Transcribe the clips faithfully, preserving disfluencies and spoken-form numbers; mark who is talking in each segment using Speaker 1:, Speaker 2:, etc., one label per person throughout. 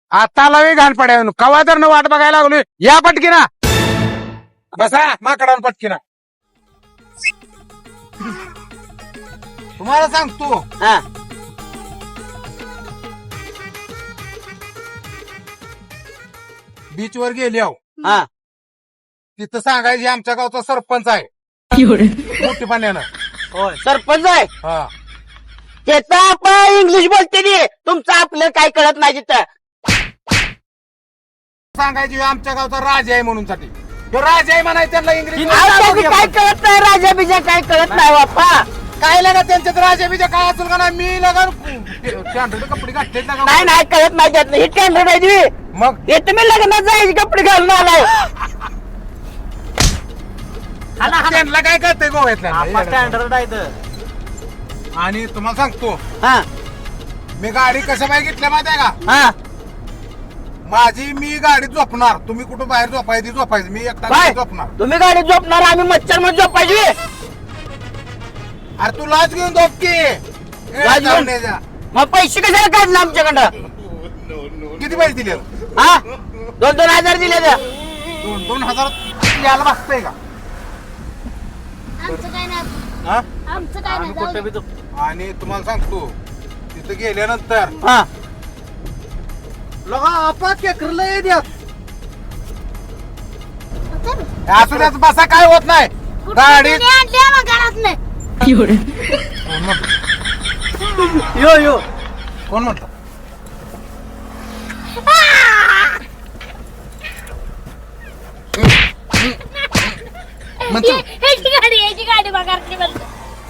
Speaker 1: आता लावे घाल पड्या कवा तर न वाट बघायला लागलो या पटकीना बसा माकडावर पटकीना तुम्हाला सांगतो
Speaker 2: हा
Speaker 1: बीच वर गेली आहो
Speaker 2: हा
Speaker 1: तिथं सांगायची आमच्या गावचा सरपंच आहे मोठी पाण्यानं
Speaker 2: होय सरपंच आहे
Speaker 1: हा
Speaker 2: त्याचं आपण इंग्लिश बोलते नी तुमचं आपलं काय कळत नाही तिथं
Speaker 1: सांगायची आमच्या गावचा राजा आहे म्हणून साठी तो राजा आहे म्हणायचं त्यांना इंग्लिश
Speaker 2: आपल्याला काय कळत नाही राजा बिजा काय कळत नाही बाप्पा
Speaker 1: काय लागा त्यांच्यात राजा बिजा काय असेल का नाही मी लगा कपडे घातले
Speaker 2: नाही नाही कळत नाही त्यातलं ही टेंडर आहे ती.
Speaker 1: मग
Speaker 2: हे तुम्ही लग्नात जायचे कपडे घालून आलाय
Speaker 1: त्यांना काय कळतंय गोव्यातल्या
Speaker 2: स्टँडर्ड आहे
Speaker 1: आणि तुम्हाला सांगतो
Speaker 2: हा
Speaker 1: मी गाडी कशा बाहेर घेतल्या माहिती आहे का
Speaker 2: हा
Speaker 1: माझी मी गाडी झोपणार तुम्ही कुठं बाहेर झोपायची झोपायची मी एकटा
Speaker 2: काय
Speaker 1: झोपणार
Speaker 2: तुम्ही गाडी झोपणार आम्ही मच्छर मध्ये झोपायची
Speaker 1: अरे तू लाच घेऊन झोप की ए,
Speaker 2: लाज घेऊन?
Speaker 1: जाऊन ये जा.
Speaker 2: मग पैसे कशाला काढले आमच्याकडं
Speaker 1: किती पैसे दिले
Speaker 2: हा दोन दोन हजार दिले तर
Speaker 1: दोन दोन हजार यायला बघताय का
Speaker 3: आमचं काय नाही
Speaker 1: हा?
Speaker 3: आमचं काय नाही जाऊ दे.
Speaker 1: आणि तुम्हाला सांगतो तिथं गेल्यानंतर
Speaker 2: हा
Speaker 1: लगा आपा केकरलं द्या
Speaker 3: तर
Speaker 1: असू द्याच बसा काय होत नाही गाडी
Speaker 3: कुठून आणली मग घरात नाही
Speaker 1: कोण म्हणतं?
Speaker 2: यो यो
Speaker 1: कोण म्हणतो म्हणतो
Speaker 3: ह्याची गाडी ह्याची गाडी बघा म्हणतो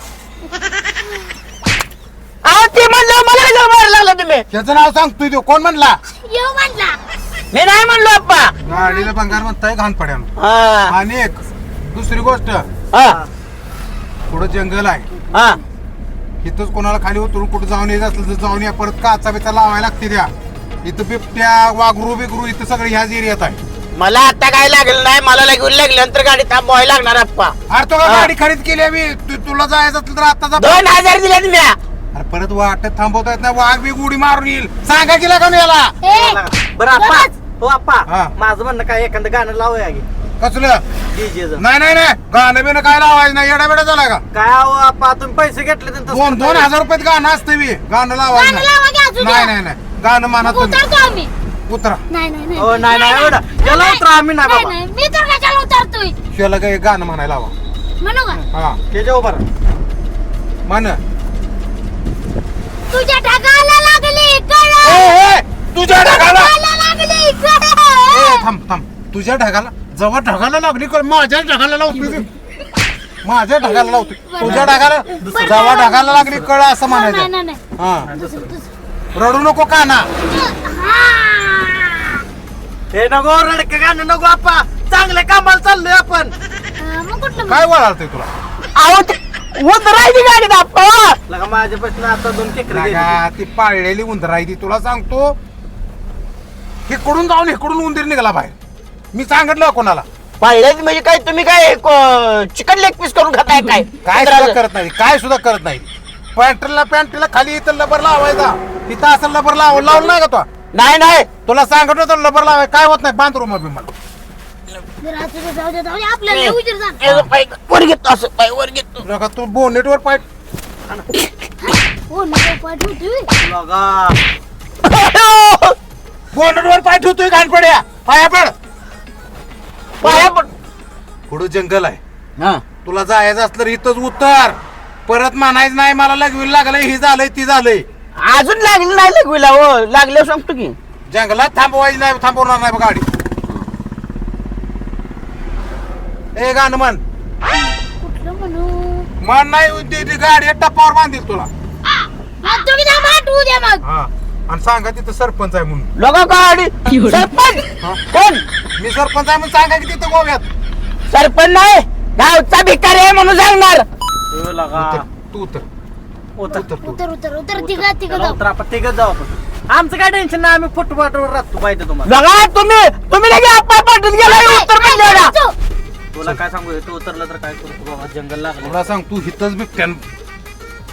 Speaker 2: अहो ते म्हणलं मला कशाला मारायला लागला तुम्ही
Speaker 1: त्याचं नाव सांगतोय तो कोण म्हणला
Speaker 3: येऊ म्हणला
Speaker 2: मी नाही म्हणलो अप्पा
Speaker 1: गाडीला भंगार म्हणताय घाण पड्यानं
Speaker 2: हा
Speaker 1: आणि एक दुसरी गोष्ट
Speaker 2: हा
Speaker 1: पुढं जंगल आहे
Speaker 2: हा
Speaker 1: इथंच कोणाला खाली उतरून कुठं जाऊन येत असलं तर जाऊन या परत काचा बिचा लावायला लागते त्या इथं बिबट्या वाघरू बिगरू इथं सगळं ह्याच एरियात आहे
Speaker 2: मला आता काय लागलं नाही मला लागून लागल्यानंतर गाडी थांबवायला लागणार अप्पा
Speaker 1: अरे तो का
Speaker 2: हा.
Speaker 1: गाडी खरेदी केली आहे मी तू- तुला जायचं असलं तर आता जा
Speaker 2: दोन हजार दिले तुम्ही
Speaker 1: अरे परत वाटत थांबवता येत नाही वाघ बी उडी मारून येईल सांगा की लागा याला
Speaker 3: ए
Speaker 2: बरं अप्पा
Speaker 3: बस.
Speaker 2: हो अप्पा
Speaker 1: हा.
Speaker 2: माझं म्हणणं काय एखादं गाणं लावूया की
Speaker 1: कसलं
Speaker 2: डीजेचं
Speaker 1: नाही नाही नाही गाणं बिणं काय लावायचं नाही येडा बेडा झाला का
Speaker 2: काय अहो अप्पा तुम्ही पैसे घेतले तर तसं
Speaker 1: दोन दोन
Speaker 2: करताय.
Speaker 1: हजार रुपयात गाणं असतं मी गाणं लावायचं
Speaker 3: गाणं लावा की
Speaker 1: नाही
Speaker 3: अजून
Speaker 1: नाही
Speaker 3: या.
Speaker 1: नाही नाही गाणं म्हणा
Speaker 3: मग
Speaker 1: तुम्ही
Speaker 3: उतरतो आम्ही
Speaker 1: उतरा
Speaker 3: नाही नाही
Speaker 2: हो नाही नाही एवढं त्याला उतरा आम्ही नाही
Speaker 3: नाही
Speaker 2: बाबा
Speaker 3: नाही मी तर कशाला उतरतोय
Speaker 1: शिवाला काय गाणं म्हणायला लावा
Speaker 3: म्हणू का
Speaker 1: हा
Speaker 2: त्याच्या उभा
Speaker 1: म्हण
Speaker 3: तुझ्या ढगाला लागली
Speaker 1: ए,
Speaker 3: कळ
Speaker 1: ए, तुझ्या ढगाला
Speaker 3: ढगाला लागली
Speaker 1: ए,
Speaker 3: कळ
Speaker 1: थांब थांब तुझ्या ढगाला जेव्हा ढगाला लागली कर माझ्या ढगाला लावतोय मी. माझ्या ढगाला लावतोय तुझ्या ढगाला जेव्हा ढगाला लागली कळ असं
Speaker 3: नाही
Speaker 1: म्हणायचं
Speaker 3: नाही नाही
Speaker 1: हा
Speaker 3: दुसरं, दुसरं.
Speaker 1: रडू नको काना
Speaker 3: हा.
Speaker 2: हे नको रडके गाणं नको अप्पा चांगल्या कामाला चाललोय आपण
Speaker 3: अं, मग कुठलं
Speaker 1: काय वळालतोय तुला
Speaker 2: अहो ते उतरायची गाडी अप्पा लगा माझ्यापासून आता दोन केकर
Speaker 1: लागा, ती पाळलेली उंदर आहे ती तुला सांगतो इकडून जाऊन इकडून उंदीर निघाला बाहेर मी सांगितलं कोणाला
Speaker 2: पाहिलेच म्हणजे काय तुम्ही काय चिकन लेग पीस करून खाताय काय
Speaker 1: काय सुद्धा करत नाही काय सुद्धा करत नाही पॅन्टला पॅन्टला खाली इथं लबर लावायचा इथं असं लबर लाव लावलं नाही का तो
Speaker 2: नाही नाही
Speaker 1: तुला सांगत होतं लबर लावाय काय होत नाही बांधरूम अभि मला
Speaker 3: जरा तुझं जाऊ दे जाऊ दे आपल्याला लय उशीर झाला.
Speaker 2: याचं पाय वर घेतो असं पाय वर घेतो
Speaker 1: तुला का तू बोनेटवर पाय
Speaker 3: हो नको पाठ होती
Speaker 2: लगा
Speaker 1: बोनेटवर पाय ठेवतोय घाणपड्या पाया पड
Speaker 2: पाया पण
Speaker 1: पुढं जंगल आहे
Speaker 2: हा
Speaker 1: तुला जायचं असलं तर इथंच उतर परत म्हणायचं नाही मला लगवी लागलंय ही झालंय ती झालंय
Speaker 2: अजून लागली नाही लगविला हो लागल्यावर सांगतो की
Speaker 1: जंगलात थांबवायची नाही थांबवणार नाही बघ गाडी ए गाणं म्हण
Speaker 3: कुठलं म्हणू
Speaker 1: म्हण नाही ती- ती गाडी टप्पावर बांधील तुला
Speaker 3: मग तुम्ही जा पाठ होऊ द्या मग
Speaker 1: हा आणि सांगा तिथं सरपंच आहे म्हणून
Speaker 2: लगा गाडी सरपंच
Speaker 1: हा?
Speaker 2: कोण
Speaker 1: मी सरपंच आहे म्हणून सांगा की तिथं गोव्यात
Speaker 2: सरपंच नाही गावचा भिकारी आहे म्हणून सांगणार
Speaker 1: उतर, तू उतर
Speaker 2: उतर
Speaker 1: उतर तू
Speaker 3: उतर उतर उतर तिघा तिघ जाऊ
Speaker 2: आपण तिघच जाऊ आपण आमचं काय टेन्शन नाही आम्ही फुटपाटवर राहतो पाहिजे तुम्हाला लगा तुम्ही तुम्ही लगे आपण पाठवून गेला उत्तर म्हणले
Speaker 4: तुला काय सांगू तू उतरलं तर काय करू बाबा जंगल लागलं
Speaker 1: तुला सांग तू हिथंच बिबट्यान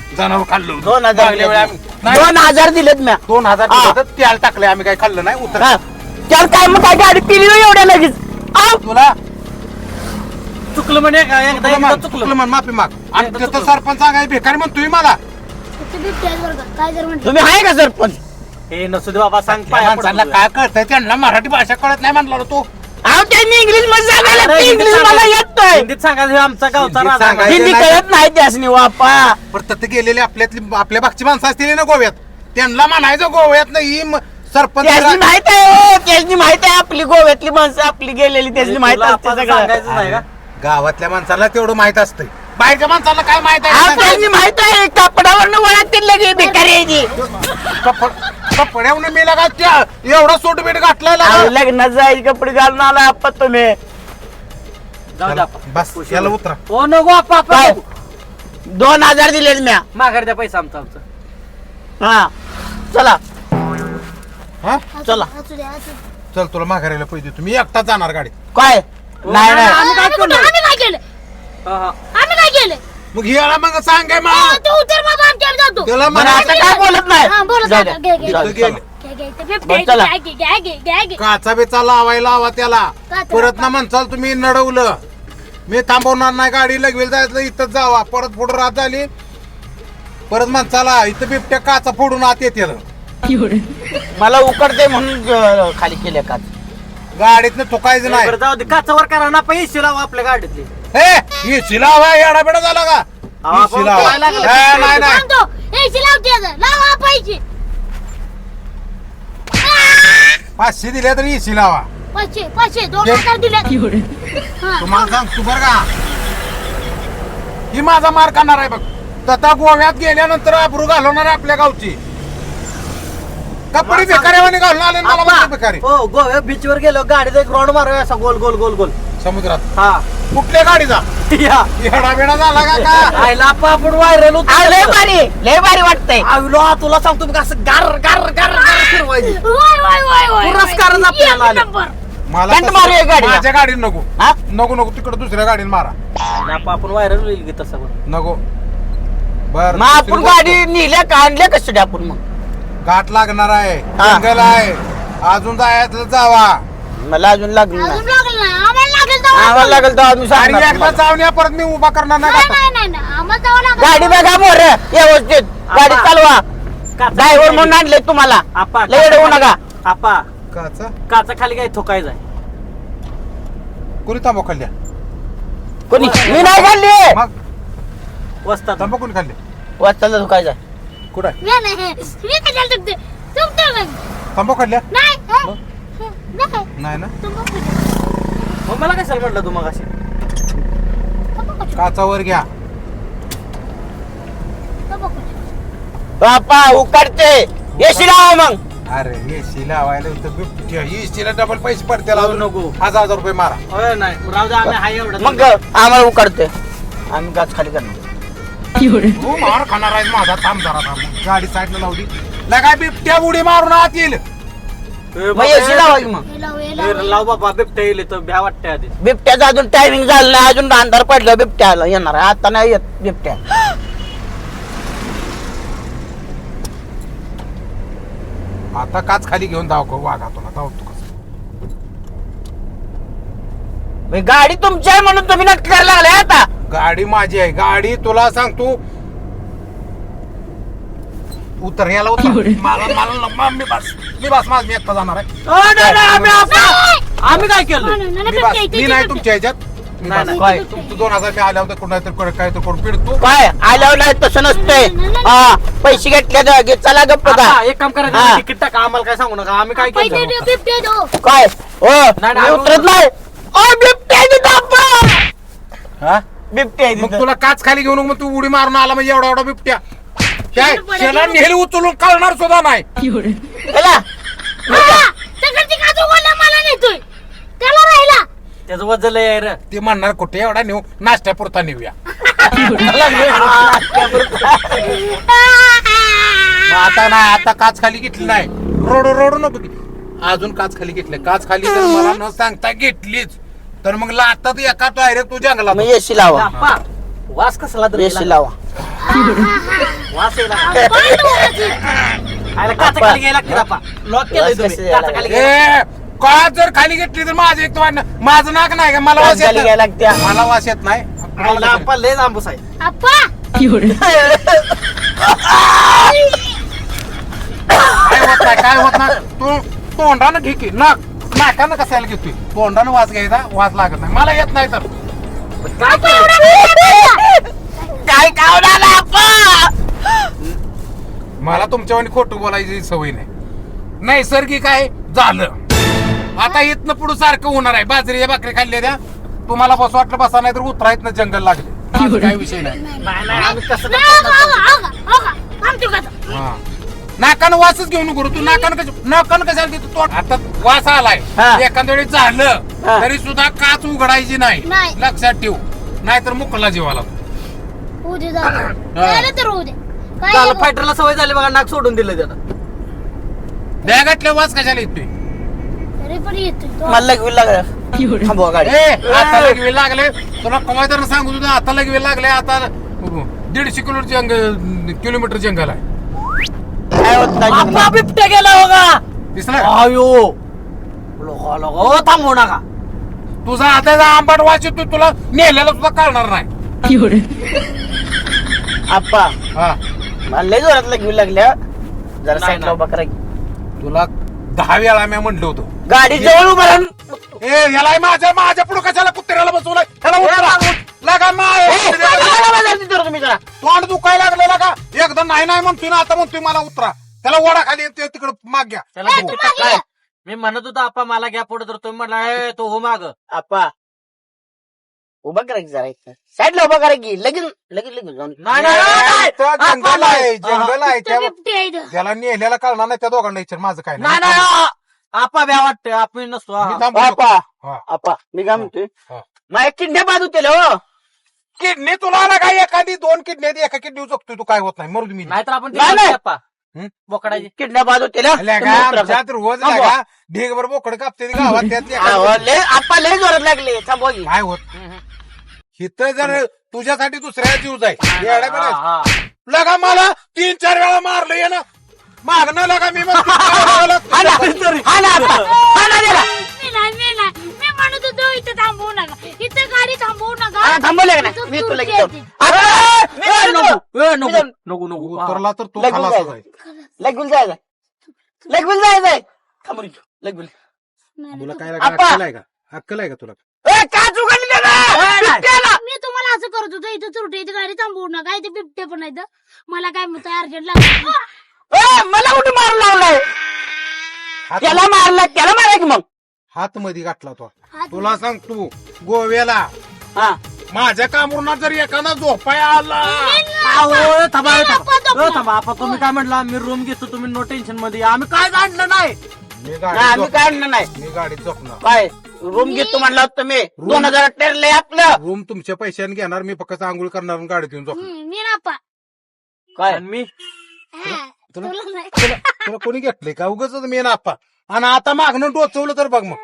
Speaker 1: जनावर खाल्लं
Speaker 2: दोन हजार
Speaker 1: मागल्या वेळी आम्ही नाही,
Speaker 2: दोन हजार दिलेत म्या
Speaker 1: दोन हजार
Speaker 2: हा.
Speaker 1: दिले तर त्याला टाकले आम्ही काही खाल्लं नाही उतर
Speaker 2: हा. त्याला काय मग काय गाडी पिली होय एवढ्या लगेच आ?
Speaker 1: तुला
Speaker 2: चुकलं म्हणे का एकदा
Speaker 1: चुकलं
Speaker 2: एकदा
Speaker 1: मान,
Speaker 2: चुकलं
Speaker 1: चुकलं मान, माफी माग आणि
Speaker 2: एकदा
Speaker 1: त्याचं
Speaker 2: चुकलं.
Speaker 1: सरपंच सांगाय भिकारी म्हणतोय मला
Speaker 3: फक्त बिबट्या आहेत बरं का. काय जर म्हटलं
Speaker 2: तुम्ही आहे का सरपंच हे नसू दे बाबा सांग
Speaker 1: त्या माणसाला काय कळतंय त्यांना मराठी भाषा कळत नाही म्हणला तू
Speaker 2: अहो त्यांनी इंग्लिश मध्ये सांगायला इंग्लिश मला येत नाही
Speaker 4: हिंदीत सांगायचं आमचा गावचा
Speaker 1: हिंदीत
Speaker 4: राजा
Speaker 1: सांगायचं.
Speaker 2: हिंदी कळत नाही त्यासनी वापा
Speaker 1: पण तिथे गेलेले आपल्यातली आपल्या भागची माणसं असतील ना गोव्यात त्यांना म्हणायचं गोव्यात नाही म- सरपंच
Speaker 2: त्यासनी माहित आहे हो त्यासनी माहित आहे आपली गोव्यातली माणसं आपली गेलेली त्यासनी माहित
Speaker 4: तुला
Speaker 2: असते
Speaker 4: आपण
Speaker 2: सगळं
Speaker 4: सांगायचं नाही का
Speaker 1: गावातल्या माणसाला तेवढं माहित असतंय बाहेरच्या माणसाला काय माहित
Speaker 2: अहो,
Speaker 1: आहे
Speaker 2: त्यासनी माहित आहे कपडावरनं वळत लगे बेकारी आहे ती.
Speaker 1: कपड्यावरून मी लगा त्या एवढा सूट बीट घातलाय
Speaker 2: अहो,
Speaker 1: लगा.
Speaker 2: लग्नात जायचे कपडे घालून आला आपण तुम्ही
Speaker 4: जाऊ दे आपण.
Speaker 1: बस याला उतरा
Speaker 4: हो नको आपा आपा
Speaker 2: काय
Speaker 4: नको.
Speaker 2: दोन हजार दिलेत म्या
Speaker 4: माघार द्या पैसा आमचा आमचा
Speaker 2: हा चला
Speaker 1: हा
Speaker 3: असू
Speaker 2: चला.
Speaker 3: दे, असू दे, असू दे.
Speaker 1: चल तुला माघारीला पैसे देतो मी एकटा जाणार गाडी
Speaker 2: काय नाही नाही
Speaker 4: आम्ही काय
Speaker 3: आम्ही कुठं-
Speaker 4: केलं?
Speaker 3: आम्ही काय केलं
Speaker 4: हा, हा.
Speaker 3: आम्ही काय केलं
Speaker 1: मग याला मग सांग काय
Speaker 3: अहो,
Speaker 1: मग
Speaker 3: तू उतर बाबा आमच्यावर जातो
Speaker 1: त्याला
Speaker 2: बरं,
Speaker 1: म्हणा
Speaker 2: आता काय बोलत नाही
Speaker 3: हा, बोलत
Speaker 2: जाऊ
Speaker 3: नाही.
Speaker 2: द्या.
Speaker 3: घे, घे,
Speaker 2: जाऊ
Speaker 3: घे.
Speaker 2: द्या, चला.
Speaker 3: घे, घे, ते बिबट्या
Speaker 2: बरं,
Speaker 3: आहे,
Speaker 2: चला.
Speaker 3: घे, घे, घे, घे, घे, घे.
Speaker 1: काचा बेचा लावायला हवा त्याला
Speaker 3: काचा
Speaker 1: परत ना
Speaker 3: लावा.
Speaker 1: म्हणसाल तुम्ही नडवलं मी थांबवणार नाही गाडी लगवेल जायचं इथं जावा परत पुढं रात झाली परत म्हणसाला इथं बिबट्या काचा फोडून आत येते
Speaker 2: मला उकडते म्हणून अं, खाली केले का
Speaker 1: गाडीतनं थुकायचं नाही
Speaker 4: बरं, जाऊ दे काचावर करा ना पैसे लावा आपल्या गाडीतले
Speaker 1: हे एसी लावा येडा बेडा झाला का
Speaker 4: अहो, आपण
Speaker 1: एसी लावा.
Speaker 4: काय लागलं?
Speaker 1: ए, नाही नाही
Speaker 3: सांगतो एसी लावते आता. लावा पाहिजे
Speaker 1: पाचशे दिले तर एसी लावा
Speaker 3: पाचशे पाचशे दोन
Speaker 1: घे.
Speaker 3: हजार दिले हा.
Speaker 1: तुम्हाला सांग तू बर का ही माझा मार खाणार आहे बघ तथा गोव्यात गेल्यानंतर अब्रू घालवणार आहे आपल्या गावची कपडे भिकाऱ्यावाने घालून आले आणि मला म्हणतो
Speaker 4: आपा,
Speaker 1: भिकारी
Speaker 4: हो गोव्या बीच वर गेलो गाडीत एक राऊंड मारूया असा गोल गोल गोल गोल
Speaker 1: समुद्रात
Speaker 4: हा
Speaker 1: कुठल्या गाडीचा
Speaker 4: या
Speaker 1: येडा बेडा झाला का का
Speaker 4: आयला आपा आपण व्हायरल
Speaker 2: अहो, लय भारी लय भारी वाटतंय
Speaker 4: आविलो तुला सांगतो मी असं गार गार गार गार फिरवायची
Speaker 3: वय, वय, वय, वय,
Speaker 4: पुरस्कारच
Speaker 3: वय.
Speaker 4: आपल्याला
Speaker 3: एक
Speaker 4: आले.
Speaker 3: नंबर.
Speaker 1: मला
Speaker 2: त्यांना
Speaker 1: तसं-
Speaker 2: मारूया गाडीला.
Speaker 1: माझ्या गाडीत नको
Speaker 2: हा
Speaker 1: नको नको तिकडे दुसऱ्या गाडीने मारा
Speaker 4: आपा आपण व्हायरल होईल की तसं पण
Speaker 1: नको बर
Speaker 2: मग आपण गाडी नेल्या का आणल्या कशी आपण मग
Speaker 1: गाठ लागणार आहे
Speaker 2: हा.
Speaker 1: जंगल आहे अजून जायचं जावा
Speaker 2: मला अजून लागलं
Speaker 3: अजून
Speaker 2: नाही
Speaker 3: लागेल ना आम्हाला लागेल जावं.
Speaker 2: आम्हाला लागेल तर आम्ही
Speaker 1: आणि
Speaker 2: सांगणार
Speaker 1: एकदा
Speaker 2: तुम्हाला.
Speaker 1: जाऊन या परत मी उभा करणार नाही
Speaker 3: नाही
Speaker 1: गाठात.
Speaker 3: नाही नाही नाही. आम्हाला जावं लागेल.
Speaker 2: गाडी बघा मोर व्यवस्थित गाडी
Speaker 4: आपा.
Speaker 2: चालवा
Speaker 4: काचा
Speaker 2: ड्रायव्हर
Speaker 4: खाली-
Speaker 2: म्हणून आणले तुम्हाला
Speaker 4: आपा
Speaker 2: लय येडवू नका
Speaker 4: आपा
Speaker 1: काचा
Speaker 4: काचा खाली काय थोकायचं आहे
Speaker 1: कोणी तांबा खाल्ल्या
Speaker 2: कोणी मी नाही खाल्ली
Speaker 1: मग
Speaker 4: वस्तात
Speaker 1: तांबा कोणी खाल्ले
Speaker 2: वाचताला धुकायचा
Speaker 1: कुठं आहे?
Speaker 3: मी नाही मी कशाला चुकते चुकतो नाही.
Speaker 1: तांबा खाल्ल्या
Speaker 3: नाही हा? नाही
Speaker 1: नाही ना
Speaker 3: तुम्ही
Speaker 4: मग मला कशाला म्हटलं तू मग अशी
Speaker 1: काचावर घ्या
Speaker 2: बापा उकडते येशी लावा मग
Speaker 1: अरे एसी लावायला इथं बिबट्या एसीला डबल पैसे पडते
Speaker 4: लावू नको.
Speaker 1: हजार हजार रुपये मारा
Speaker 4: होय नाही राहू दे आम्ही हाय एवढं
Speaker 2: मग आम्हाला उकडते आम्ही गाच खाली करणार
Speaker 1: तू मार खाणार आहे माझा थांब जरा थांब गाडी साईडला लावली काय बिबट्या उडी मारून आत येईल
Speaker 4: ए,
Speaker 2: मग येशी लावा की मग
Speaker 3: हे लाव हे
Speaker 4: ए,
Speaker 3: लाव
Speaker 4: लाव बाबा बिबट्या येईल तर भ्या वाटते आधी
Speaker 2: बिबट्याचं अजून टायमिंग झालं नाही अजून अंधार पडलं बिबट्याला येणार आहे. आता नाही येत बिबट्या
Speaker 1: आता काच खाली घेऊन धाव वाघा तुला धाव तू कसं
Speaker 2: मग गाडी तुमची आहे म्हणून तुम्ही नक्की करायला लागले आता
Speaker 1: गाडी माझी आहे गाडी तुला सांग तू उतर याला उतर मला मला नको, मी बस मी बस माझ मी एकटा जाणार आहे
Speaker 4: अ, नाही, नाही, आम्ही आपा- आम्ही काय केलं
Speaker 3: नाही, नाही,
Speaker 1: मी
Speaker 3: नाही,
Speaker 1: बस
Speaker 3: बिबट्या इथे,
Speaker 1: मी
Speaker 3: इथे,
Speaker 1: नाही
Speaker 3: इथे.
Speaker 1: तुमच्या ह्याच्यात मी
Speaker 4: नाही,
Speaker 1: बस.
Speaker 4: नाही.
Speaker 2: काय
Speaker 1: तुमचं दोन हजार मी आल्या होत्या कुठं तर काय तर करून पिडतो
Speaker 2: काय आल्यावर नाही तसं नसतंय हा पैसे घेतले तर घे, चला गप्प
Speaker 4: आपा,
Speaker 2: का
Speaker 4: एक काम
Speaker 2: हा.
Speaker 4: करा तिकीट टाका आम्हाला काय सांगू नका आम्ही काय
Speaker 3: पैसे
Speaker 4: केलं
Speaker 3: दे, बिबट्या दो.
Speaker 2: काय हो
Speaker 4: नाही,
Speaker 2: मी
Speaker 4: नाही,
Speaker 2: उतरत नाही ओ बिबट्या आहे तिथं, अप्पा.
Speaker 1: हा
Speaker 2: बिबट्या आहे
Speaker 1: मग
Speaker 2: तिथं.
Speaker 1: तुला काच खाली घेऊन मग तू उडी मारून आला म्हणजे एवढा एवढा बिबट्या काय शेला नेहली उचलून कळणार सुद्धा नाही
Speaker 2: चला
Speaker 3: हा, तिकडची काजू गोळा मला नेतोय त्याला राहिला
Speaker 4: त्याचं वजन लय आहे रे
Speaker 1: ते म्हणणार कुठे एवढा नेऊ नाश्त्यापुरता नेऊया मग आता नाही आता काच खाली घेतली नाही रोड रोड नको की. अजून काच खाली घेतली काच खाली जर मला न सांगता घेतलीच तर मग लातात एका डायरेक्ट तू जंगलात
Speaker 2: मग येशी लावा
Speaker 4: आपा वास कसला तरी
Speaker 2: येशी लावा
Speaker 4: वास येईल
Speaker 3: बाहेर डोळ्याची.
Speaker 2: आयला काचा खाली घ्यायला लागते आपा लॉक केलंय
Speaker 4: वास
Speaker 2: तुम्ही
Speaker 4: कशी
Speaker 2: काचा खाली घ्या.
Speaker 1: ए काच जर खाली घेतली तर माझं एक तर वाटणं माझं नाक नाही का मला वास येत
Speaker 4: खाली घ्यायला
Speaker 1: नाही.
Speaker 4: लागत्या
Speaker 1: मला वास येत नाही
Speaker 2: आयला आपा लय आंबूस आहे
Speaker 3: आप्पा
Speaker 1: काय होत नाही काय होत नाही तू तोंडानं घे की नाक नाकानं कशाला घेतोय तोंडानं वास घ्यायचा वास लागत नाही मला येत नाही तर
Speaker 3: आप्पा एवढा वेळ लागला.
Speaker 2: काय कावला आपा
Speaker 1: मला तुमच्यावर खोटं बोलायची सवय नाही नैसर्गिक आहे झालं आता इथनं पुढे सारखं होणार आहे बाजरीच्या भाकरी खाल्ल्या द्या तुम्हाला बस वाटलं बसा नाही तर उतरा इथनं जंगल लागले माझं काही विषय नाही
Speaker 2: नाही नाही आम्ही कसं
Speaker 3: नाही, हो का, हो का, हो का. थांबतो का आता?
Speaker 1: हा. नाकानं वासच घेऊ नको रे. तू नाकानं कश नाकानं कशाला देतो तू आता वास आलाय
Speaker 4: हा.
Speaker 1: एखाद्या वेळी झालं
Speaker 4: हा.
Speaker 1: तरी सुद्धा काच उघडायची नाही
Speaker 3: नाही.
Speaker 1: लक्षात ठेव नाहीतर मुकला जीवाला
Speaker 3: उद्या जाऊ. झालं तर उद्या. काय
Speaker 2: झालं
Speaker 3: आहे
Speaker 2: फायटरला सवय झाली बघा नाक सोडून दिलं त्यानं
Speaker 1: बॅगातल्या वास कशाला येतोय
Speaker 3: बा? तरी पण येतोय तो.
Speaker 4: मला लगवी लागलं थांबवा गाडी
Speaker 1: ए आता लगवे लागले तुला कमाय तर सांगू तुझं आता लगवे लागले आता दीडशे किलो जंग किलोमीटर जंगल आहे
Speaker 4: काय होत नाही
Speaker 2: आपा
Speaker 4: जंगलात.
Speaker 2: बिबट्या गेला बघा
Speaker 1: दिसला
Speaker 2: आयो लोका लोका ओ थांबवू नका
Speaker 1: तुझा आता आंबाट वाच येतो तुला नेलेला सुद्धा कळणार नाही
Speaker 4: आप्पा
Speaker 1: हा
Speaker 4: मला लय जोरात लगवी लागल्या जरा
Speaker 2: नाही,
Speaker 4: साईडला
Speaker 2: नाही.
Speaker 4: उभा करा की.
Speaker 1: तुला दहा वेळा मी म्हणलो होतो
Speaker 4: गाडी जवळ उभा राहून
Speaker 1: ए याला माझ्या माझ्या पुढे कशाला कुत्र्याला बसवलाय त्याला उतरा. लागा माय.
Speaker 4: तुम्ही जरा
Speaker 1: तोंड दुखायला लागलेला का एकदा नाही नाही म्हणतोय ना आता म्हणतोय मला उतरा त्याला ओढा खाली तिकडे माग घ्या
Speaker 2: त्याला किती टक्का आहे? मी म्हणत होतो आपा मला घ्या पुढे तर तुम्ही म्हटला "ए, तो हो माग
Speaker 4: आप्पा उभा करा की जरा इथं साईडला उभा करा की लगेच लगेच लगेच जाऊन
Speaker 2: नाही नाही, नाही,
Speaker 1: इथं
Speaker 2: नाही.
Speaker 1: जंगल आहे जंगल आहे
Speaker 3: तो
Speaker 1: त्या
Speaker 3: बिबट्या आहे इथं.
Speaker 1: त्याला नेलेला कळणार नाही त्या दोघांना विचार माझं काय
Speaker 2: नाही नाही आ- आपा भ्या वाटतंय आपण नसतो हा.
Speaker 1: मी थांबू
Speaker 4: आप्पा
Speaker 1: शकतो. हा.
Speaker 4: आप्पा मी काय म्हणतोय
Speaker 1: हा.
Speaker 4: माझ्या किंड्या बाजू केलं हो
Speaker 1: किडनी तुला आला काय एखादी दोन किडनी एका किडनी चुकतोय तू काय होत नाही मरू मी
Speaker 2: नाहीतर आपण
Speaker 4: नाही, नाही.
Speaker 2: आपा
Speaker 1: हं?
Speaker 2: बोकडाची
Speaker 4: किंड्या बाजू केल्या
Speaker 1: आमच्यात रोज
Speaker 4: थांबवा.
Speaker 1: लागा ढीगभर बोकड कापते गावात त्यात
Speaker 4: अहो,
Speaker 1: एखादं-
Speaker 4: लय आप्पा लय जोरात लागले थांबवा की
Speaker 1: काय होत इथं जर तुझ्यासाठी दुसऱ्या जीव जाय येड्या
Speaker 2: हा,
Speaker 1: बिड्या.
Speaker 2: हा.
Speaker 1: लगा मला तीन चार वेळा मारलं ये ना मागणं लगा मी म्हणतो,
Speaker 4: हा ना, हा ना आप्पा, हा ना त्याला.
Speaker 3: मी नाही मी नाही मी म्हणत होतो इथं थांबवू नका इथं गाडी थांबवू
Speaker 4: हा,
Speaker 3: नका
Speaker 4: थांबवले का नाही?
Speaker 3: इथं
Speaker 4: मी तुला
Speaker 3: तुरटी
Speaker 4: घेतो.
Speaker 3: येते.
Speaker 4: आता, मी
Speaker 2: ए,
Speaker 4: म्हणतो,
Speaker 2: नको ए,
Speaker 4: मी
Speaker 2: नको
Speaker 4: जाऊन-
Speaker 2: नको नको हा.
Speaker 1: उतरला तर तो
Speaker 4: लगून
Speaker 1: खालाच
Speaker 4: जायचं.
Speaker 1: आहे.
Speaker 4: लगविल जायचं लगविल जायचंय थांबून लगविल
Speaker 3: नाही,
Speaker 1: तुला
Speaker 3: नाही,
Speaker 1: काय
Speaker 4: आप्पा.
Speaker 1: अक्कल आहे का अक्कल आहे का तुला
Speaker 4: ए का चुकली ना
Speaker 3: मी तुम्हाला असं करत होतो इथं तुरटी इथं गाडी थांबवू नका इथे बिबटे पण आहेत मला काय म्हणतो अर्जंट लागलं
Speaker 4: ए, मला कुठे मार लावलाय
Speaker 1: हात
Speaker 4: त्याला मारला त्याला मारा की मग
Speaker 1: हात मध्ये गाठला तो
Speaker 3: हात-
Speaker 1: तुला सांग तू गोव्याला
Speaker 4: हा
Speaker 1: माझ्या कामरुणात जर एखादा झोपाय आला
Speaker 2: अहो, थांबा थांबा
Speaker 3: नको, नको.
Speaker 2: हो, थांबा आपा तुम्ही काय म्हटला मी रूम घेतो तुम्ही नो टेन्शन मध्ये या. आम्ही काय काढलं नाही
Speaker 1: मी
Speaker 4: नाही,
Speaker 1: गाडी
Speaker 4: आम्ही काय आणलं नाही
Speaker 1: मी गाडीत झोपणार
Speaker 4: काय रूम घेतो म्हणला होता तुम्ही दोन हजार ठरले आपलं
Speaker 1: रूम तुमच्या पैशाने घेणार मी फक्त आंघोळ करणार आणि गाडीत येऊन झोपणार
Speaker 3: हम्म, मी नापा
Speaker 4: काय
Speaker 2: आणि मी
Speaker 3: हा,
Speaker 1: तुला-
Speaker 3: तुला नाही.
Speaker 1: तुला तुला कोणी घेतलंय का उगाच मी नापा आणि आता मागणं टोचवलं तर बघ मग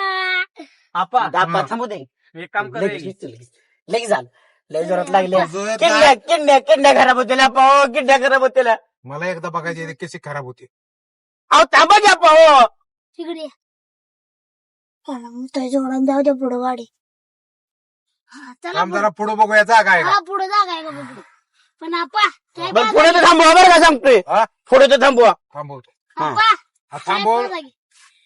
Speaker 2: आपा
Speaker 4: दापा थांबू दे
Speaker 2: एक काम
Speaker 4: लगेच
Speaker 2: कर
Speaker 4: लगेच लगेच. लगेच झालं लय जोरात लागले
Speaker 1: तुझं
Speaker 4: किंड्या किंड्या किंड्या खराब होत्या पाहो किंड्या खराब होत्या
Speaker 1: मला एकदा बघायची कशी खराब होती
Speaker 4: अहो थांबा घ्या पाहो
Speaker 3: तिकडे चला मग त्या जोरात जाऊ द्या पुढं गाडी हा, चला
Speaker 1: आम जरा पुढे बघूया जागा आहे
Speaker 3: पुढं.
Speaker 1: का
Speaker 3: हा पुढे जागा आहे का बघू पण आपा काय
Speaker 4: बरं
Speaker 3: बात
Speaker 4: पुढे तर थांबवा बरं का सांगतोय
Speaker 1: हा?
Speaker 4: पुढे तर थांबवा
Speaker 1: थांबवतो
Speaker 4: हा.
Speaker 3: आपा
Speaker 1: हा, थांबव
Speaker 3: काय बात आहे?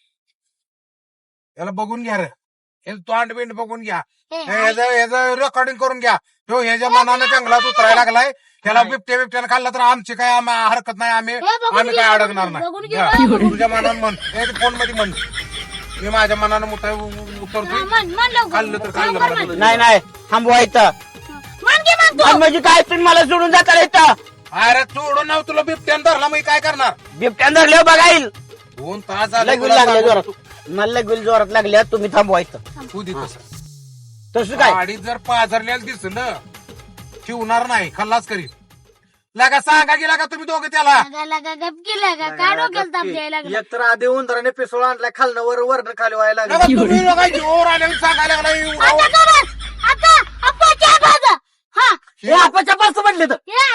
Speaker 1: याला बघून घ्या रे हे तोंड बिंड बघून घ्या
Speaker 3: ए,
Speaker 1: ह्याचं रेकॉर्डिंग करून घ्या तो ह्याच्या मनानं जंगलात उतरायला लागलाय त्याला बिबट्या बिबट्यानं खाल्ला तर आमची काय आम- हरकत नाही आम्ही
Speaker 3: हे बघून
Speaker 1: आम्ही काय
Speaker 3: घे,
Speaker 1: अडकणार
Speaker 3: बघून
Speaker 1: नाही
Speaker 3: घे,
Speaker 1: हा,
Speaker 3: बघून
Speaker 1: तुझ्या मनानं म्हण फोन मध्ये म्हण मी माझ्या मनानं उतर
Speaker 3: हा,
Speaker 1: उतरतोय
Speaker 3: म्हण म्हण लवकर.
Speaker 1: खाल्लं तर खाल्लं
Speaker 3: लवकर
Speaker 1: मला
Speaker 3: म्हण.
Speaker 4: नाही नाही थांबवा इथं
Speaker 3: म्हण घे मग तू.
Speaker 4: आणि म्हणजे काय तुम्ही मला सोडून जाता इथं
Speaker 1: अरे सोडून नाव तुला बिबट्यानं धरला मग काय करणार
Speaker 4: बिबट्यान धरले बघा येईल
Speaker 1: दोन तास झाले
Speaker 4: लगविल
Speaker 1: तुला
Speaker 4: लागले
Speaker 1: सांगून
Speaker 4: जोरात मला लगविल जोरात लागल्या तुम्ही थांबवा इथं
Speaker 1: तू दे तसं
Speaker 4: तसं काय
Speaker 1: गाडीत जर पाझरलेलं दिसलं ठेवणार नाही खल्लास करीत लागा सांगा गेला का तुम्ही दोघं त्याला
Speaker 3: लगा लगा गप गेला का काय डोक्याला ताप द्यायला लागला
Speaker 2: एक तर आधी उंदराने पिसोळ आणलाय खालनं वर वरनं खाली व्हायला
Speaker 1: लगा
Speaker 2: लागलं
Speaker 1: तुम्ही लोकांना जोर आले सांगायला लागला एवढा.
Speaker 3: आता का बस आता अप्पा चहा पाजा हा
Speaker 2: हे आपाच्या पास म्हटले तर
Speaker 3: हे बघ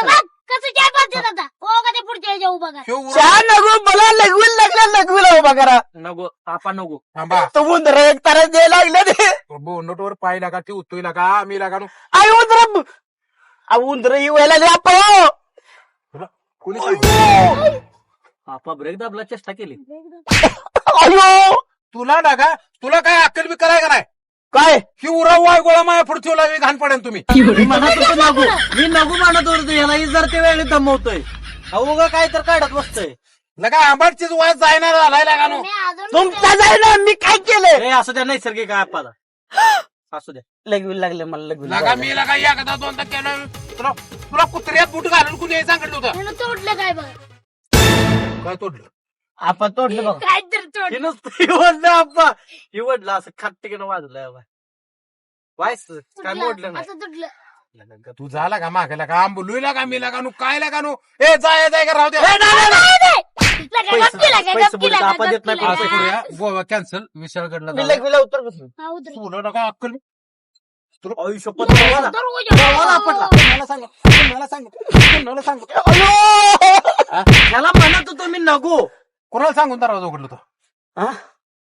Speaker 3: कसं काय पाहते आता हो का ते पुढच्या ह्याच्या उभा करा
Speaker 1: ह्यो उरा-
Speaker 4: चहा नको मला लगवून लागल्या लगवीला उभा करा
Speaker 2: नको आपा नको
Speaker 1: थांबा
Speaker 4: तो उंदर एक तारा द्यायला लागले ते
Speaker 1: बोनटवर पाय लागा ती उतोय लागा मी लागा नु
Speaker 4: आई उंदर उंदर ही व्हायला लागले आपण
Speaker 1: तुला कोणी सांगितलं?
Speaker 2: आपा ब्रेक दाबला चेष्टा केली
Speaker 4: अयो
Speaker 1: तुला लागा तुला काय अक्कल बी कराय का नाही
Speaker 4: काय
Speaker 1: ही उरा वाय गोळा माया पुढची लावी घाण पडेल तुम्ही
Speaker 2: मी म्हणत होतो नको मी नको म्हणत होतो याला जर ते वेळी दमवतोय अहो ग काय तर काढत बसतोय
Speaker 1: लगा आंबाडचीच वाज जायना झालाय लागा नु
Speaker 3: मी अजून
Speaker 4: तुमचा जाय ना मी काय केलं
Speaker 2: हे असू द्या नैसर्गिक आहे आपाला असू द्या
Speaker 4: लगवी लागले मला लगवी
Speaker 1: लगा मी लगा एकदा दोनदा केलं तुला तुला कुत्र्यात बूट घालून कुणी सांगितलं होतं
Speaker 3: त्यानं तोडलं काय बघ
Speaker 1: काय तोडलं
Speaker 4: आपण तोडलं बघ
Speaker 3: काय तर तोडलं
Speaker 2: हे नुसतं इवडलं आप्पा इवडलं असं खाट्टिकेनं वाजलं वायस काय मोडलं नाही
Speaker 3: असं तुटलं
Speaker 1: लगा, तू झाला का मागे लागा आंबुलू लागा मी लागा नु काय लागा नु ए जाय जाय का राहू दे
Speaker 3: लगा, गपकी लगा,
Speaker 2: पैसे
Speaker 3: गपकी
Speaker 2: बुडीत
Speaker 3: लगा,
Speaker 2: आपण देत नाही,
Speaker 3: गपकी
Speaker 1: असं
Speaker 3: लगा.
Speaker 1: करूया गोवा कॅन्सल विशाळगडला
Speaker 4: मी
Speaker 1: जाऊया.
Speaker 4: लगवीला उतर बसून
Speaker 3: हा, उतरू.
Speaker 1: तुला नका अक्कल
Speaker 2: आयुष्य पत्र बघा.
Speaker 3: उतरू,
Speaker 2: मला पटला.
Speaker 3: उतरू.
Speaker 1: मला सांग मला सांग मला सांग
Speaker 4: अयो
Speaker 2: त्याला म्हणत होतो मी नको
Speaker 1: कोणाला सांगून दरवाजा उघडलं होतं
Speaker 4: हा?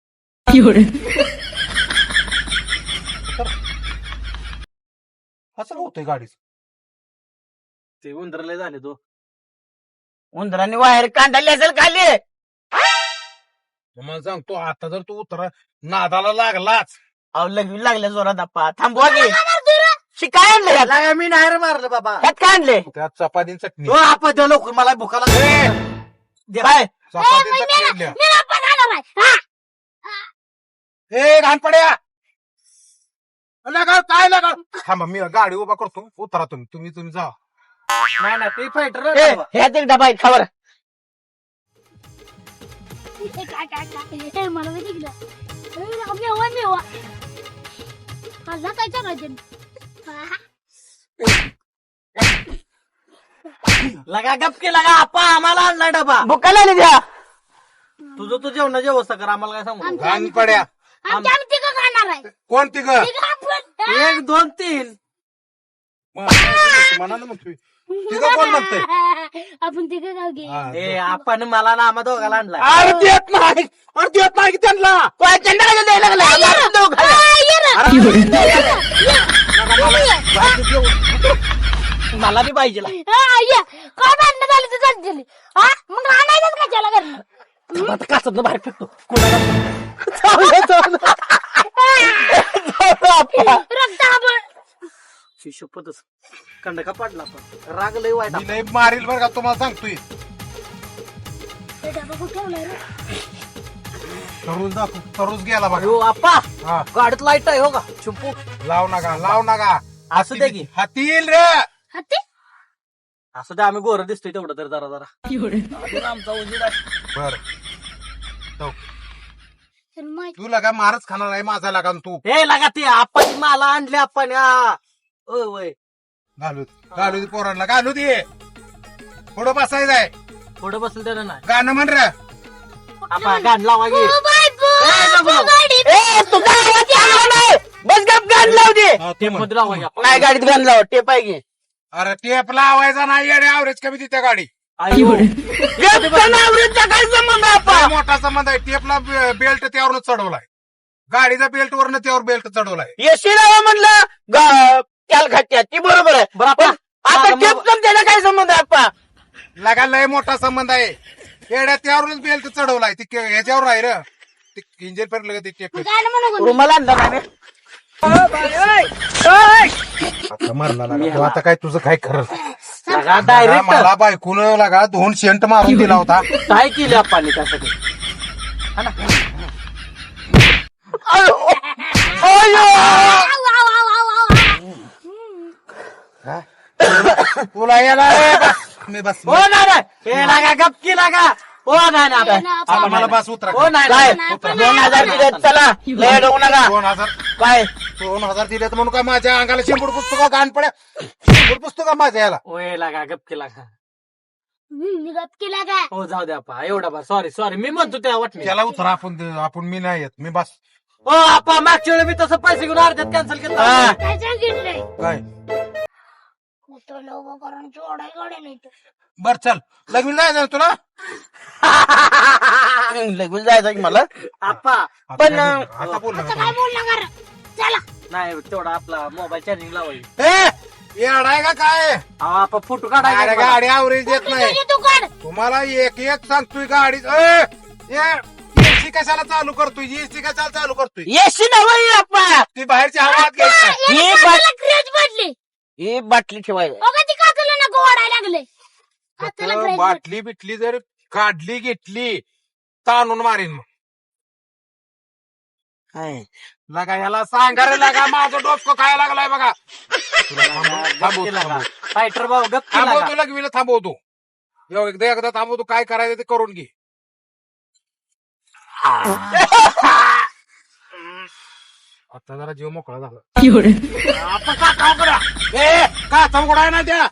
Speaker 1: असं होतंय गाडीच
Speaker 2: ते उंदरले झाले तो
Speaker 4: उंदरांनी बाहेर कांडाली असेल खाली
Speaker 1: मला सांगतो आता जर तू उतरा नादाला लागलाच
Speaker 4: अहो लगवी लागल्या जोरात आप्पा थांबवा की शिकाय आणलं यात?
Speaker 2: त्याला मी नाही रे मारलं बाबा
Speaker 4: यात काय आणले
Speaker 1: त्यात चपातीन चटणी
Speaker 2: हो आपण त्या लोक मला भुका लागली
Speaker 4: काय
Speaker 1: चपातीन
Speaker 3: ए,
Speaker 1: चटणी
Speaker 3: मी
Speaker 1: आणल्या.
Speaker 3: मेला पण आला नाही. हा.
Speaker 1: ए घाण पड्या लगा काय लगा थांबा मी गाडी उभा करतो उतरा तुम्ही तुम्ही तुम्ही जा
Speaker 2: नाही ना ते फायटर
Speaker 4: ए, ह्यात एक डबा आहे खावर
Speaker 3: ए, काय, काय, काय. ए, मला माहिती गेलं. ए, लगा, मेवा, मेवा. खाल्ला काय चांगलं हा.
Speaker 2: लगा गपके लगा आपा आम्हाला आणला डबा
Speaker 4: भुकाला नाही द्या
Speaker 2: तुझं तू जेवणाची व्यवस्था कर आम्हाला काय सांगू
Speaker 3: आमच्या-
Speaker 1: घाण पड्या
Speaker 3: आमच्या आम्ही तिघं खाणार आहे.
Speaker 1: कोणती ग
Speaker 3: तिघं आपण. हा.
Speaker 2: एक दोन तीन
Speaker 1: म्हणाल मग तुम्ही तिघं कोण म्हणतंय
Speaker 3: आपण तिघं खाऊ घे.
Speaker 1: हा,
Speaker 2: ए आपण मला ना आम्हा दोघाला आणला
Speaker 1: अरे देत नाही अरे देत नाही की त्यांना
Speaker 4: काय चंडाला द्यायला लागला मारून देऊ खाली.
Speaker 3: आ, ये रे.
Speaker 1: अरे,
Speaker 4: मला बी पाहिजे
Speaker 3: हा, ये. काय भांडणं झाली तर चालतील. हा? मग आणायचंच का त्याला घरनं?
Speaker 4: आता कासत बाहेर फेकतो चावलं, चावलं. चावलं आप्पा.
Speaker 3: रक्त आपण.
Speaker 2: शिशोपतच कंडका पडला पण राग लय वाईट
Speaker 1: मी लय मारील बरं का तुम्हाला सांगतोय
Speaker 3: हे डबा कुठं ठेवलाय रे?
Speaker 1: तरुज दाखव तरुज गेला बघा
Speaker 2: अयो आपा
Speaker 1: हा
Speaker 2: गाडीत लाईट आहे हो का चुंपू
Speaker 1: लाव नका लाव नका
Speaker 2: असू दे की
Speaker 1: हाती येईल रे
Speaker 3: हत्ती?
Speaker 2: असू दे आम्ही गोरं दिसतोय तेवढं तर जरा जरा आमचा उजीर आहे
Speaker 1: बर
Speaker 3: तर माहित-
Speaker 1: तू लगा मारच खाणार आहे माझा लागा तू
Speaker 2: हे लागा ती आप्पाची माला आणली आपण ओय वय
Speaker 1: घालू घालू दे पोरांना घालू दे पुढं बसायचं आहे
Speaker 2: पुढं बसलं त्यानं नाही
Speaker 1: गाणं म्हण रे
Speaker 2: आपा गाण लावा गे
Speaker 3: ओ बाय बो,
Speaker 2: ए, नको,
Speaker 3: तू
Speaker 2: नको.
Speaker 3: गाडीत.
Speaker 4: ए तू गाडीत आला नाही बस गप गाडी लाव दे
Speaker 1: हा, तू
Speaker 2: ते
Speaker 1: म्हण.
Speaker 2: मध्ये लावा गे आपण.
Speaker 4: नाही गाडीत गाडी लाव टेप आहे की
Speaker 1: अरे टेप लावायचा नाही येडे ॲव्हरेज कमी देते गाडी
Speaker 2: आयो.
Speaker 4: आवडीचा काय संबंध
Speaker 1: लय
Speaker 4: आपा
Speaker 1: मोठा संबंध आहे टेपला बेल्ट त्यावरच चढवलाय गाडीचा बेल्ट वरनं त्यावर बेल्ट चढवलाय
Speaker 4: येशी लावा म्हणलं ग- त्याला घाट्या ती बरोबर आहे
Speaker 2: बरं आपा
Speaker 4: आता
Speaker 2: माझा
Speaker 4: टेप
Speaker 2: मग-
Speaker 4: पण त्याला काय संबंध आहे आपा
Speaker 1: लगा लय मोठा संबंध आहे येड्या त्यावरच बेल्ट चढवलाय ती के- ह्याच्यावर आहे रे ते इंजिन पर्यंत लगे ते टेप
Speaker 3: गाणं म्हणू कोणी?
Speaker 4: रुमाला आणला नाही रे.
Speaker 1: आता मारला लागा तू आता काय तुझं काय खरं
Speaker 2: लगा
Speaker 1: लगा,
Speaker 2: डायरेक्ट
Speaker 1: मला बायकून लागा दोन शेंट मारून दिला होता
Speaker 2: काय केली आपण त्यासाठी
Speaker 4: अयो. अयो.
Speaker 3: आव, आव, आव, आव, आव, आव.
Speaker 1: तुला याला रे, बस. मी बस
Speaker 2: हो नाही नाही हे लागा गपकी लागा हो नाही नाही
Speaker 3: ना,
Speaker 2: आपण-
Speaker 1: आता मला बस उतरा
Speaker 2: हो नाही
Speaker 4: काय
Speaker 2: नाही
Speaker 4: दोन हजार दिले चला लय डोंग नका
Speaker 1: दोन हजार
Speaker 4: काय
Speaker 1: दोन हजार दिलेत म्हणून काय माझ्या अंगाला शेंबूड पुसतो का गाण पड्या शेंबूड पुसतो का माझ्या याला
Speaker 2: ओय लागा गपकी लागा
Speaker 3: हम्म, मी गपकी लागा.
Speaker 2: हो जाऊ दे आपा एवढा बा सॉरी सॉरी मी म्हणतो त्या वाटणी
Speaker 1: त्याला उतरा आपण आपण मी नाही येत मी बस
Speaker 2: हो आपा मागच्या वेळी मी तसं पैसे घेऊन अर्ध्यात कॅन्सल केलं
Speaker 4: हा.
Speaker 3: काय सांगितलंय?
Speaker 1: काय
Speaker 3: तुला उभं करून जोडाय गाड्या नाही तर.
Speaker 1: बर चल लग्न नाही जाणार तुला
Speaker 4: लगून जायचं की मला
Speaker 2: आप्पा
Speaker 1: आता
Speaker 4: पण,
Speaker 1: काय बोलणार? आता बोल
Speaker 3: आता काय बोलला कर चला.
Speaker 2: नाही तेवढा आपला मोबाईल चार्जिंग लावायची
Speaker 1: येडाय का काय
Speaker 2: अहो आप्पा फोटो
Speaker 1: अरे
Speaker 2: काढायचा
Speaker 1: गाडी आवरेज देत नाही
Speaker 3: तुझी तू काढ.
Speaker 1: तुम्हाला एक एक सांगतोय गाडी एसी कशाला चालू करतोय एसी कशाला चालू करतोय
Speaker 4: येशी नव्हे आप्पा
Speaker 1: ती बाहेरची हवा आत घ्यायची
Speaker 4: ही
Speaker 3: याला
Speaker 4: बाट-
Speaker 3: काकाला क्रेज पडली.
Speaker 4: ही बाटली ठेवायला
Speaker 3: अगं ती काकाला नको ओढायला लागले. काकाला
Speaker 1: फक्त
Speaker 3: क्रेज
Speaker 1: बाटली बिटली जर काढली घेतली ताणून मारीन मग
Speaker 4: हाय.
Speaker 1: लगा याला सांगा रे लगा माझं डोसको खायला लागलाय बघा तुला थांबव- थांबव- थांबव.
Speaker 2: फायटर भाऊ गप केला का?
Speaker 1: थांबवतो लगविला थांबवतो यो, एकदा एकदा थांबवतो काय करायचं ते करून घे आता जरा जीव मोकळा झाला आपण का चौकडा ए का चौकडा आहे ना त्या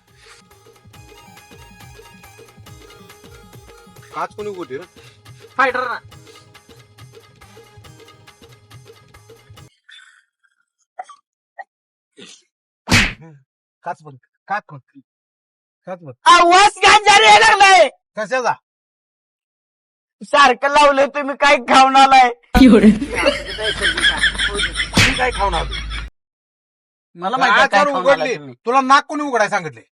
Speaker 1: काच कोणी उघडली रे
Speaker 2: फायटर ना
Speaker 1: काच बंद काच बंद काच बंद
Speaker 4: आवाज गांजारी यायला लागलाय
Speaker 1: कशाचा
Speaker 4: सारखं लावलंय तुम्ही काय खाऊन आलाय
Speaker 1: मी काय खाऊन आलो
Speaker 4: मला माहिती आहे काय
Speaker 1: काच
Speaker 4: खाऊन आलाय
Speaker 1: उघडली
Speaker 4: तुम्ही.
Speaker 1: तुला नाक कोणी उघडाय सांगितले